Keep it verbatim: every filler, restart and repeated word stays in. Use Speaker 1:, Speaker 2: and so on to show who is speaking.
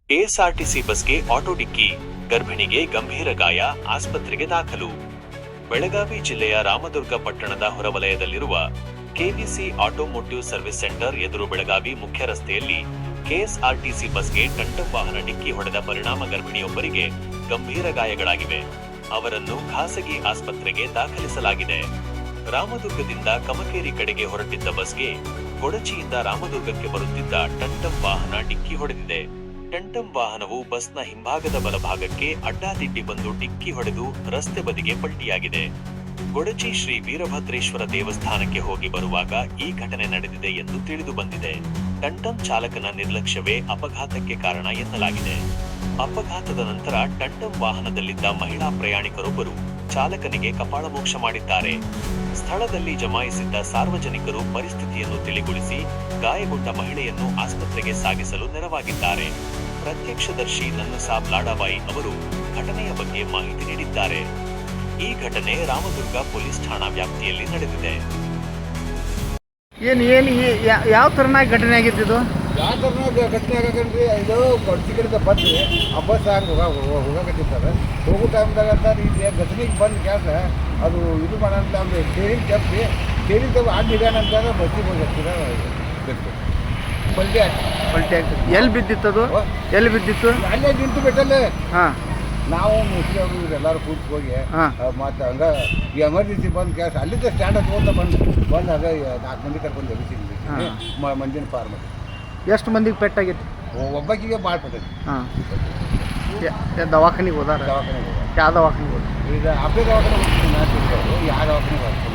Speaker 1: KSRTC ಬಸ್ಗೆ auto ಡಿಕ್ಕಿ, ಗರ್ಭಿಣಿಗೆ ಗಂಭೀರ ಗಾಯ, ಆಸ್ಪತ್ರೆಗೆ ದಾಖಲು. ಬೆಳಗಾವಿ ಜಿಲ್ಲೆಯ ರಾಮದುರ್ಗ ಪಟ್ಟಣದ ಹೊರವಲಯದಲ್ಲಿರುವ ಕೆವಿಸಿ ಆಟೋಮೋಟಿವ್ ಸರ್ವಿಸ್ ಸೆಂಟರ್ ಎದುರು ಬೆಳಗಾವಿ ಮುಖ್ಯ ರಸ್ತೆಯಲ್ಲಿ ಕೆಎಸ್ಆರ್ಟಿಸಿ ಬಸ್ಗೆ ಟಂಟಂ ವಾಹನ ಡಿಕ್ಕಿ ಹೊಡೆದ ಪರಿಣಾಮ ಗರ್ಭಿಣಿಯೊಬ್ಬರಿಗೆ ಗಂಭೀರ ಗಾಯಗಳಾಗಿವೆ. ಅವರನ್ನು ಖಾಸಗಿ ಆಸ್ಪತ್ರೆಗೆ ದಾಖಲಿಸಲಾಗಿದೆ. ರಾಮದುರ್ಗದಿಂದ ಕಮಕೇರಿ ಕಡೆಗೆ ಹೊರಟಿದ್ದ ಬಸ್ಗೆ ಕೊಡಚಿಯಿಂದ ರಾಮದುರ್ಗಕ್ಕೆ ಬರುತ್ತಿದ್ದ ಟಂಟಂ ವಾಹನ ಡಿಕ್ಕಿ ಹೊಡೆದಿದೆ. ಟಂಟಂ ವಾಹನವು ಬಸ್ನ ಹಿಂಭಾಗದ ಬಲಭಾಗಕ್ಕೆ ಅಡ್ಡಾದಿಡ್ಡಿ ಬಂದು ಡಿಕ್ಕಿ ಹೊಡೆದು ರಸ್ತೆ ಬದಿಗೆ ಪಲ್ಟಿಯಾಗಿದೆ. ಕೊಡಚಿ ಶ್ರೀ ವೀರಭದ್ರೇಶ್ವರ ದೇವಸ್ಥಾನಕ್ಕೆ ಹೋಗಿ ಬರುವಾಗ ಈ ಘಟನೆ ನಡೆದಿದೆ ಎಂದು ತಿಳಿದು ಬಂದಿದೆ. ಟಂಟಂ ಚಾಲಕನ ನಿರ್ಲಕ್ಷ್ಯವೇ ಅಪಘಾತಕ್ಕೆ ಕಾರಣ ಎನ್ನಲಾಗಿದೆ. ಅಪಘಾತದ ನಂತರ ಟಂಟಂ ವಾಹನದಲ್ಲಿದ್ದ ಮಹಿಳಾ ಪ್ರಯಾಣಿಕರೊಬ್ಬರು ಚಾಲಕನಿಗೆ ಕಪಾಳಮೋಕ್ಷ ಮಾಡಿದ್ದಾರೆ. ಸ್ಥಳದಲ್ಲಿ ಜಮಾಯಿಸಿದ್ದ ಸಾರ್ವಜನಿಕರು ಪರಿಸ್ಥಿತಿಯನ್ನು ತಿಳಿಗೊಳಿಸಿ ಗಾಯಗೊಂಡ ಮಹಿಳೆಯನ್ನು ಆಸ್ಪತ್ರೆಗೆ ಸಾಗಿಸಲು ನೆರವಾಗಿದ್ದಾರೆ. ಪ್ರತ್ಯಕ್ಷದರ್ಶಿ ನನ್ನಸಾಬ್ ಲಾಡಾಬಾಯಿ ಅವರು ಘಟನೆಯ ಬಗ್ಗೆ ಮಾಹಿತಿ ನೀಡಿದ್ದಾರೆ. ಈ ಘಟನೆ ರಾಮದುರ್ಗ ಪೊಲೀಸ್ ಠಾಣಾ ವ್ಯಾಪ್ತಿಯಲ್ಲಿ ನಡೆದಿದೆ.
Speaker 2: ಏನು ಏನು ಯಾವ ಥರನಾಗಿ ಘಟನೆ ಆಗಿದ್ದು?
Speaker 3: ಯಾವ ಥರನಾಗ ಘಟನೆ ಆಗಕಂಡ್ರಿ, ಇದು ಕೊಡ್ಸಿ ಕಡೆದ ಬಂದು ಆ ಬಸ್ ಹಂಗೆ ಹೋಗ ಹೋಗಕತ್ತಿರ್ತಾರೆ. ಹೋಗೋ ಟೈಮ್ದಾಗ ಅಂತ ಇಲ್ಲಿ ಘಟನೆಗೆ ಬಂದು ಕ್ಯಾಸ ಅದು ಇದು ಮಾಡೋಂತ ಅಂದ್ರೆ ಸ್ಟೇರಿಂಗ್ ತಪ್ಪಿ ಸ್ಟೇರಿಂಗ್ ತಪ್ಪಿ ಆಡ್ ಹಿಡಿಯೋಣಂತಾಗ ಬಸ್ಸಿಗೆ ಹೋಗಿ ಹತ್ತಿರ ಬೇಕು ಪಲ್ಟಿ ಆಯ್ತು.
Speaker 2: ಪಲ್ಟಿ ಆಗ್ತದೆ. ಎಲ್ಲಿ ಬಿದ್ದಿತ್ತದು? ಎಲ್ಲಿ ಬಿದ್ದಿತ್ತು?
Speaker 3: ಅಲ್ಲೇ ನಿಂತು ಬಿಟ್ಟಲ್ಲೇ.
Speaker 2: ಹಾಂ,
Speaker 3: ನಾವು ಮುಸ್ಲಿ ಅವರು ಎಲ್ಲರೂ ಕೂತು ಹೋಗಿ
Speaker 2: ಹಾಂ,
Speaker 3: ಮತ್ತು ಹಂಗೆ ಈ ಎಮರ್ಜೆನ್ಸಿ ಬಂದು ಕ್ಯಾಸ್ ಅಲ್ಲಿದ್ದ ಸ್ಟ್ಯಾಂಡ್ ಹತ್ಕೊಂತ ಬಂದು ಬಂದು ಹಾಗೆ ನಾಲ್ಕು ಮಂದಿ ಕರ್ಕೊಂಡು ಎಬ್ಬಿಸಿದ್ವಿ ಮಂದಿನ ಪಾರ್ ಮಾಡಿ.
Speaker 2: ಎಷ್ಟು ಮಂದಿಗೆ ಪೆಟ್ಟಾಗಿತ್ತು?
Speaker 3: ಒಬ್ಬಾಕಿಗೆ ಭಾಳ ಪಟ್ಟೈತಿ.
Speaker 2: ಹಾಂ, ದವಾಖಾನಿಗೆ ಹೋದಾರ?
Speaker 3: ದವಾಖಾನೆಗೆ
Speaker 2: ಯಾವ ದವಾಖಾನಿಗೆ ಹೋದ?
Speaker 3: ಈಗ ಅಪ್ಪೆ ದವಾಖಾನೆ ಹೋಗ್ತೀನಿ, ಯಾವ ದವಾಖಾನೆಗೆ